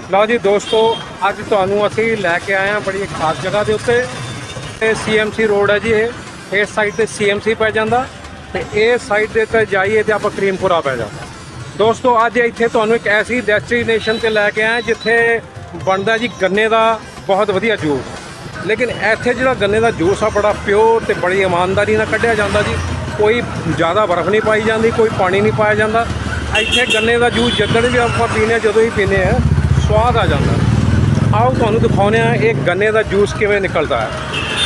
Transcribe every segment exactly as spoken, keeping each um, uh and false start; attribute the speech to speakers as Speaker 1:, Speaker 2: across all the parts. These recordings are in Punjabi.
Speaker 1: ਲਓ ਜੀ ਦੋਸਤੋ, ਅੱਜ ਤੁਹਾਨੂੰ ਅਸੀਂ ਲੈ ਕੇ ਆਏ ਹਾਂ ਬੜੀ ਖਾਸ ਜਗ੍ਹਾ ਦੇ ਉੱਤੇ। ਇਹ ਸੀ ਐਮ ਸੀ ਰੋਡ ਹੈ ਜੀ। ਇਹ ਇਸ ਸਾਈਡ ਤੇ ਸੀ ਐਮ ਸੀ ਪੈ ਜਾਂਦਾ ਤੇ ਇਸ ਸਾਈਡ ਦੇ ਤੇ ਜਾਈਏ ਤੇ ਆਪਾਂ ਕਰੀਮਪੁਰਾ ਪੈ ਜਾਂਦਾ। ਦੋਸਤੋ ਅੱਜ ਇੱਥੇ ਤੁਹਾਨੂੰ ਇੱਕ ਐਸੀ ਡੈਸਟੀਨੇਸ਼ਨ ਤੇ ਲੈ ਕੇ ਆਏ ਜਿੱਥੇ ਬਣਦਾ ਜੀ ਗੰਨੇ ਦਾ ਬਹੁਤ ਵਧੀਆ ਜੂਸ। ਲੇਕਿਨ ਇੱਥੇ ਜਿਹੜਾ ਗੰਨੇ ਦਾ ਜੂਸ ਆ ਬੜਾ ਪਿਓਰ ਤੇ ਬੜੀ ਇਮਾਨਦਾਰੀ ਨਾਲ ਕੱਢਿਆ ਜਾਂਦਾ ਜੀ। ਕੋਈ ਜ਼ਿਆਦਾ ਬਰਫ਼ ਨਹੀਂ ਪਾਈ ਜਾਂਦੀ, ਕੋਈ ਪਾਣੀ ਨਹੀਂ ਪਾਇਆ ਜਾਂਦਾ। ਇੱਥੇ ਗੰਨੇ ਦਾ ਜੂਸ ਜਦੋਂ ਵੀ ਆਪਾਂ ਪੀਂਦੇ ਹਾਂ, ਜਦੋਂ ਹੀ ਪੀਂਦੇ ਹਾਂ ਸਵਾਦ ਆ ਜਾਂਦਾ। ਆਓ ਤੁਹਾਨੂੰ ਦਿਖਾਉਂਦੇ ਹਾਂ ਇਹ ਗੰਨੇ ਦਾ ਜੂਸ ਕਿਵੇਂ ਨਿਕਲਦਾ ਹੈ।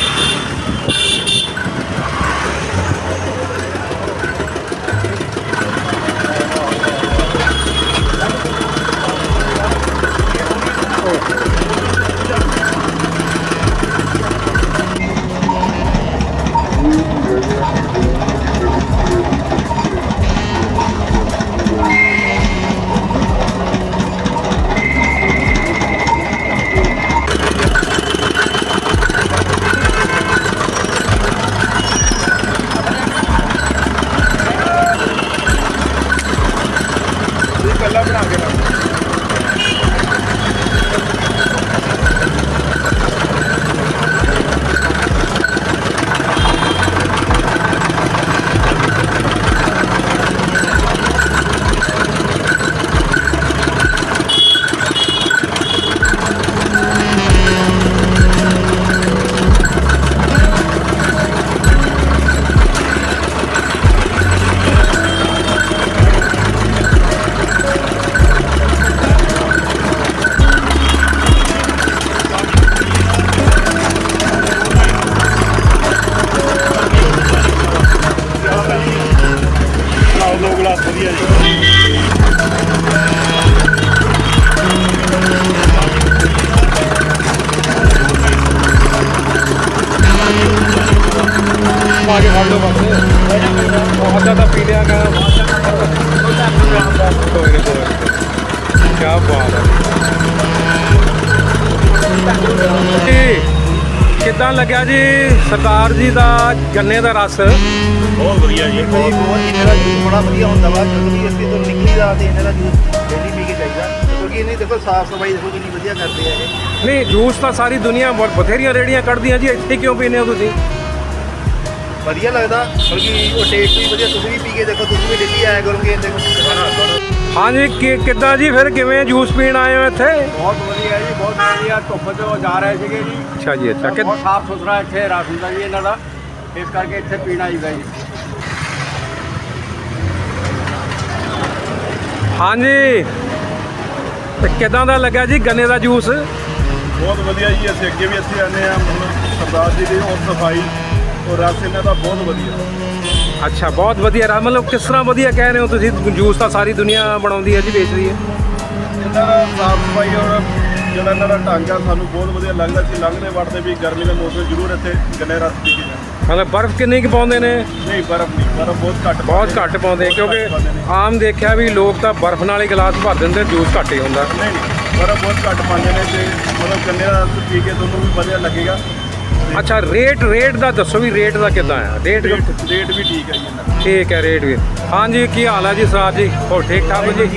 Speaker 1: आगे बढ़ लो बस बहुत ज़्यादा पी लिया क्या बात है। कितना लग्या जी सरदार जी का गन्ने का रस?
Speaker 2: बहुत बढ़िया जी, बहुत बहुत इन्हें का जूस बड़ा बढ़िया होता है। जब भी इसकी तो निकली जाती है इन्हें का जूस डेली पी के चाहिए, क्योंकि इन्हें देखो साफ सफाई देखो कितनी बढ़िया करते हैं।
Speaker 1: नहीं जूस तो सारी दुनिया बथेरिया रेहड़ियां कढ़दियां जी, इतने क्यों पीने हो तुसीं?
Speaker 2: ਵਧੀਆ ਲੱਗਦਾ ਬਲਕਿ ਉਹ ਟੇਸਟ ਵੀ ਵਧੀਆ। ਤੁਸੀਂ ਵੀ ਪੀ ਕੇ ਦੇਖੋ, ਤੁਸੀਂ ਵੀ ਡੇਲੀ ਆਇਆ ਕਰੋਗੇ ਦੇਖੋ।
Speaker 1: हाँ जी कि कितना जी फिर किवें जूस पीण आए हो इत्थे?
Speaker 2: ਬਹੁਤ ਵਧੀਆ ਜੀ, ਬਹੁਤ ਵਧੀਆ। ਧੁੱਪ 'ਚ ਜਾ ਰਹੇ ਸੀਗੇ ਜੀ।
Speaker 1: अच्छा जी अच्छा।
Speaker 2: ਬਹੁਤ ਸਾਫ ਸੁਥਰਾ ਇੱਥੇ ਰਸ ਹੁੰਦਾ ਜੀ ਇਹਨਾਂ ਦਾ, ਇਸ ਕਰਕੇ ਇੱਥੇ ਪੀਣਾ ਚਾਹੀਦਾ ਜੀ।
Speaker 1: हाँ जी ਤੇ ਕਿਦਾਂ ਦਾ ਲੱਗਾ ਜੀ ਗੰਨੇ ਦਾ ਜੂਸ?
Speaker 3: ਬਹੁਤ ਵਧੀਆ ਜੀ। ਅਸੀਂ ਅੱਗੇ ਵੀ ਇੱਥੇ ਆਉਂਦੇ ਹਾਂ। ਮਤਲਬ ਸਰਦਾਰ ਜੀ ਦੀ ਉਹ ਸਫਾਈ ਔਰ ਰਸ ਇਹਨਾਂ ਦਾ ਬਹੁਤ ਵਧੀਆ।
Speaker 1: ਅੱਛਾ ਬਹੁਤ ਵਧੀਆ ਰਾ ਮਤਲਬ ਕਿਸ ਤਰ੍ਹਾਂ ਵਧੀਆ ਕਹਿ ਰਹੇ ਹੋ ਤੁਸੀਂ? ਜੂਸ ਤਾਂ ਸਾਰੀ ਦੁਨੀਆ ਬਣਾਉਂਦੀ ਹੈ ਜੀ, ਵੇਚਦੀ ਹੈ।
Speaker 3: ਇਹਨਾਂ ਦਾ ਸਾਫ ਸਫਾਈ ਔਰ ਜਿਹੜਾ ਇਹਨਾਂ ਦਾ ਢੰਗ ਆ ਸਾਨੂੰ ਬਹੁਤ ਵਧੀਆ ਲੱਗਦਾ। ਅਸੀਂ ਲੰਘਦੇ ਵੜਦੇ ਵੀ ਗਰਮੀ ਦੇ ਮੌਸਮ ਜ਼ਰੂਰ ਇੱਥੇ ਗੰਨੇ ਰਸ ਪੀ ਕੇ ਜਾਂਦੇ।
Speaker 1: ਮਤਲਬ ਬਰਫ਼ ਕਿੰਨੀ ਕੁ ਪਾਉਂਦੇ ਨੇ?
Speaker 3: ਨਹੀਂ ਬਰਫ਼ ਨਹੀਂ, ਬਰਫ਼ ਬਹੁਤ ਘੱਟ
Speaker 1: ਬਹੁਤ ਘੱਟ ਪਾਉਂਦੇ ਕਿਉਂਕਿ ਆਮ ਦੇਖਿਆ ਵੀ ਲੋਕ ਤਾਂ ਬਰਫ਼ ਨਾਲ ਹੀ ਗਲਾਸ ਭਰ ਦਿੰਦੇ, ਜੂਸ ਘੱਟ ਹੀ ਹੁੰਦਾ।
Speaker 3: ਨਹੀਂ ਨਹੀਂ ਬਰਫ਼ ਬਹੁਤ ਘੱਟ ਪਾਉਂਦੇ ਨੇ ਤੇ ਮਤਲਬ ਗੰਨੇ ਦਾ ਰਸ ਪੀ ਕੇ ਤੁਹਾਨੂੰ ਵੀ ਵਧੀਆ ਲੱਗੇਗਾ।
Speaker 1: ਅੱਛਾ ਰੇਟ ਰੇਟ ਦਾ ਦੱਸੋ ਵੀ ਰੇਟ ਦਾ ਕਿੱਦਾਂ ਆ? ਰੇਟ
Speaker 3: ਰੇਟ ਰੇਟ ਵੀ ਠੀਕ ਹੈ ਜੀ ਇਹਨਾਂ ਦਾ।
Speaker 1: ਠੀਕ ਹੈ ਰੇਟ ਵੀ। ਹਾਂਜੀ ਕੀ ਹਾਲ ਹੈ ਜੀ ਸਰਦਾਰ ਜੀ? ਹੋਰ ਠੀਕ ਠਾਕ ਜੀ?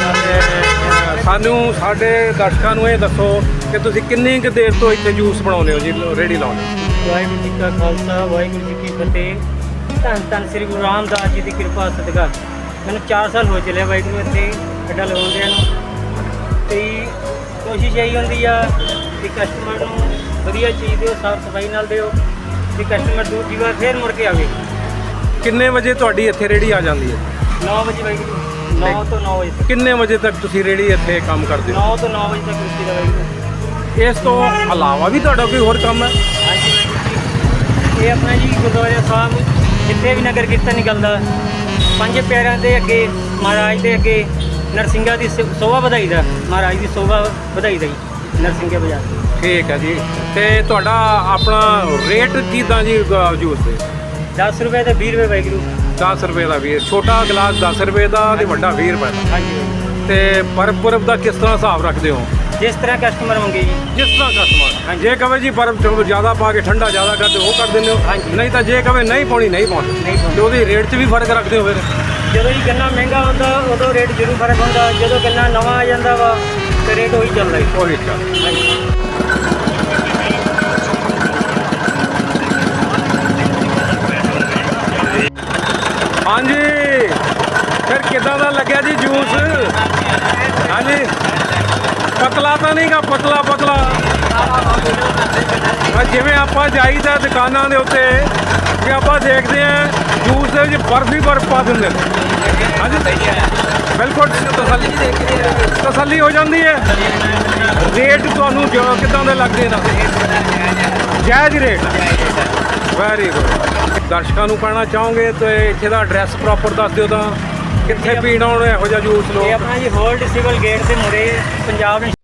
Speaker 1: ਸਾਨੂੰ ਸਾਡੇ ਦਰਸ਼ਕਾਂ ਨੂੰ ਇਹ ਦੱਸੋ ਕਿ ਤੁਸੀਂ ਕਿੰਨੀ ਕੁ ਦੇਰ ਤੋਂ ਇੱਥੇ ਜੂਸ ਬਣਾਉਂਦੇ ਹੋ ਜੀ, ਰੇਹੜੀ ਲਾਉਂਦੇ ਹੋ?
Speaker 4: ਵਾਹਿਗੁਰੂ ਜੀ ਕਾ ਖਾਲਸਾ ਵਾਹਿਗੁਰੂ ਜੀ ਕੀ ਫਤਿਹ। ਧੰਨ ਧੰਨ ਸ੍ਰੀ ਗੁਰੂ ਰਾਮਦਾਸ ਜੀ ਦੀ ਕਿਰਪਾ ਸਦਕਾ ਮੈਨੂੰ ਚਾਰ ਸਾਲ ਹੋ ਚੱਲੇ ਵਾਹਿਗੁਰੂ ਇੱਥੇ ਅੱਡਾ ਲਗਾਉਂਦਿਆਂ ਨੂੰ। ਤੇ ਕੋਸ਼ਿਸ਼ ਇਹੀ ਹੁੰਦੀ ਆ ਕਿ ਕਸਟਮਰ ਨੂੰ ਵਧੀਆ ਚੀਜ਼ ਦਿਓ, ਸਾਫ ਸਫਾਈ ਨਾਲ ਦਿਓ ਤੇ ਕਸਟਮਰ ਦੂਜੀ ਵਾਰ ਫੇਰ ਮੁੜ ਕੇ ਆਵੇ।
Speaker 1: ਕਿੰਨੇ ਵਜੇ ਤੁਹਾਡੀ ਇੱਥੇ ਰੇਹੜੀ ਆ ਜਾਂਦੀ ਹੈ?
Speaker 4: ਨੌ ਵਜੇ ਵਾਹਿਗੁਰੂ, ਨੌ ਤੋਂ ਨੌ ਵਜੇ ਤੱਕ।
Speaker 1: ਕਿੰਨੇ ਵਜੇ ਤੱਕ ਤੁਸੀਂ ਰੇਹੜੀ ਇੱਥੇ ਕੰਮ ਕਰਦੇ ਹੋ?
Speaker 4: ਨੌ ਤੋਂ ਨੌ ਵਜੇ ਤੱਕ ਰੁਕੀ ਦਾ ਵਾਹਿਗੁਰੂ।
Speaker 1: ਇਸ ਤੋਂ ਇਲਾਵਾ ਵੀ ਤੁਹਾਡਾ ਕੋਈ ਹੋਰ ਕੰਮ ਹੈ?
Speaker 4: ਹਾਂਜੀ ਵਾਹਿਗੁਰੂ ਜੀ, ਇਹ ਆਪਣਾ ਜੀ ਗੁਰਦੁਆਰਾ ਸਾਹਿਬ ਜਿੱਥੇ ਵੀ ਨਗਰ ਕੀਰਤਨ ਨਿਕਲਦਾ, ਪੰਜ ਪਿਆਰਿਆਂ ਦੇ ਅੱਗੇ ਮਹਾਰਾਜ ਦੇ ਅੱਗੇ ਨਰਸਿੰਘਾਂ ਦੀ ਸੋਭਾ ਵਧਾਈ ਦਾ, ਮਹਾਰਾਜ ਦੀ ਸੋਭਾ ਵਧਾਈ ਦਾ ਜੀ ਨਰਸਿੰਘੇ ਬਾਜ਼ਾਰ।
Speaker 1: ਠੀਕ ਹੈ ਜੀ। ਤੇ ਤੁਹਾਡਾ ਆਪਣਾ ਰੇਟ ਕਿੱਦਾਂ ਜੀ ਜੂਸ ਦੇ?
Speaker 4: ਦਸ ਰੁਪਏ ਤੇ ਵੀਹ ਰੁਪਏ ਵਾਹਿਗੁਰੂ।
Speaker 1: ਦਸ ਰੁਪਏ ਦਾ ਵੀਹ, ਛੋਟਾ ਗਲਾਸ ਦਸ ਰੁਪਏ ਦਾ ਤੇ ਵੱਡਾ ਵੀਹ ਰੁਪਏ ਦਾ।
Speaker 4: ਹਾਂਜੀ।
Speaker 1: ਤੇ ਬਰਫ਼ ਬਰਫ਼ ਦਾ ਕਿਸ ਤਰ੍ਹਾਂ ਹਿਸਾਬ ਰੱਖਦੇ ਹੋ?
Speaker 4: ਜਿਸ ਤਰ੍ਹਾਂ ਕਸਟਮਰ ਮੰਗੇ ਜੀ।
Speaker 1: ਜਿਸ ਤਰ੍ਹਾਂ ਕਸਟਮਰ ਜੇ ਕਹੇ ਜੀ ਬਰਫ਼ ਚਲੋ ਜ਼ਿਆਦਾ ਪਾ ਕੇ ਠੰਡਾ ਜ਼ਿਆਦਾ ਕਰਦੇ ਉਹ ਕਰ ਦਿੰਦੇ ਹੋ?
Speaker 4: ਹਾਂਜੀ।
Speaker 1: ਨਹੀਂ ਤਾਂ ਜੇ ਕਹੇ ਨਹੀਂ ਪਾਉਣੀ ਨਹੀਂ ਪਾਉਂਦੇ?
Speaker 4: ਨਹੀਂ ਪਾਉਂਦੇ।
Speaker 1: ਤੇ ਉਹਦੀ ਰੇਟ 'ਚ ਵੀ ਫਰਕ ਰੱਖਦੇ ਹੋ ਫਿਰ?
Speaker 4: ਜਦੋਂ ਜੀ ਗੰਨਾ ਮਹਿੰਗਾ ਹੁੰਦਾ ਉਦੋਂ ਰੇਟ ਜ਼ਰੂਰ ਫਰਕ ਹੁੰਦਾ। ਜਦੋਂ ਗੰਨਾ ਨਵਾਂ ਆ ਜਾਂਦਾ ਵਾ ਤੇ ਰੇਟ ਉਹੀ ਚੱਲਦਾ ਜੀ।
Speaker 1: ਉਹੀ ਚੱਲ ਹਾਂਜੀ ਫਿਰ ਕਿੱਦਾਂ ਦਾ ਲੱਗਿਆ ਜੀ ਜੂਸ? ਹਾਂਜੀ ਪਤਲਾ ਤਾਂ ਨਹੀਂਗਾ, ਪਤਲਾ ਪਤਲਾ ਆ ਜਿਵੇਂ ਆਪਾਂ ਜਾਈਦਾ ਦੁਕਾਨਾਂ ਦੇ ਉੱਤੇ ਕਿ ਆਪਾਂ ਦੇਖਦੇ ਆ ਜੂਸ ਦੇ ਵਿੱਚ ਬਰਫ ਹੀ ਬਰਫ ਪਾ ਦਿੰਦੇ ਨੇ। ਹਾਂਜੀ ਬਿਲਕੁਲ ਤਸੱਲੀ ਤਸੱਲੀ ਹੋ ਜਾਂਦੀ ਹੈ। ਰੇਟ ਤੁਹਾਨੂੰ ਜੋ ਕਿੱਦਾਂ ਦੇ ਲੱਗਦੇ ਨਾ? ਜਾਇਜ਼ ਰੇਟ ਵੈਰੀ ਗੁੱਡ। ਦਰਸ਼ਕਾਂ ਨੂੰ ਕਹਿਣਾ ਚਾਹੋਗੇ ਤੇ ਇੱਥੇ ਦਾ ਐਡਰੈਸ ਪ੍ਰੋਪਰ ਦੱਸ ਦਿਓ ਤਾਂ ਕਿੱਥੇ ਪੀਣ ਆਉਣ ਇਹੋ ਜਿਹਾ ਜੂਸ
Speaker 4: ਇਹ
Speaker 1: ਲੋਕ?
Speaker 4: ਆਪਣਾ ਜੀ ਹੋਲਡ ਸਿਵਲ ਗੇਟ ਦੇ ਮੁਰੇ ਪੰਜਾਬ